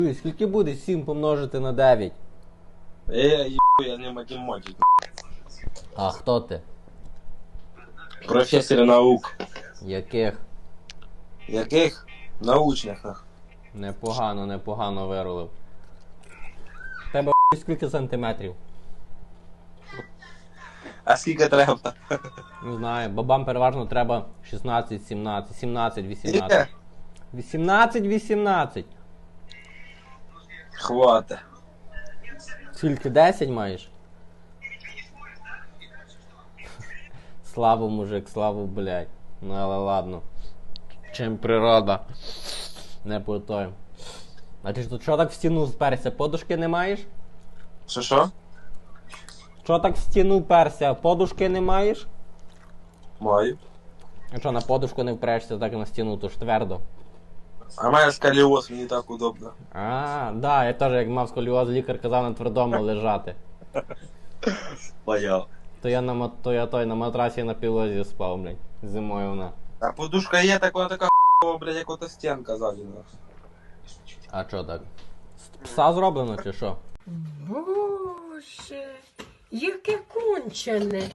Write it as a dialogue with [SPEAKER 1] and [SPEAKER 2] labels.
[SPEAKER 1] Скільки буде 7 помножити на 9?
[SPEAKER 2] Я не математик.
[SPEAKER 1] А хто ти?
[SPEAKER 2] Професор наук.
[SPEAKER 1] Яких?
[SPEAKER 2] Яких? Научних.
[SPEAKER 1] Непогано вирулив. Тебе скільки сантиметрів?
[SPEAKER 2] А скільки треба?
[SPEAKER 1] Не знаю, бабам переважно треба 16, 17, 17, 18. 18, 18.
[SPEAKER 2] Хвата.
[SPEAKER 1] Скільки 10 маєш? Слава, мужик, слава, блядь. Ну але ладно. Чим природа? Не по той. А ти ж тут що так в стіну вперся? Подушки не маєш?
[SPEAKER 2] Що?
[SPEAKER 1] Що так в стіну вперся? Подушки не маєш?
[SPEAKER 2] Маю.
[SPEAKER 1] А що, на подушку не впрешся, так і на стіну, то ж твердо.
[SPEAKER 2] А має сколіоз, мені так удобно.
[SPEAKER 1] Да, я теж як мав сколіоз, лікар казав на твердому лежати.
[SPEAKER 2] Понял.
[SPEAKER 1] То я на матрасі на пілозі спав, блядь. Зимою вона.
[SPEAKER 2] А подушка є, так вона така блядь, як ота стінка ззаді.
[SPEAKER 1] А що так? З пса зроблено чи що?
[SPEAKER 3] Боже, яке кончене.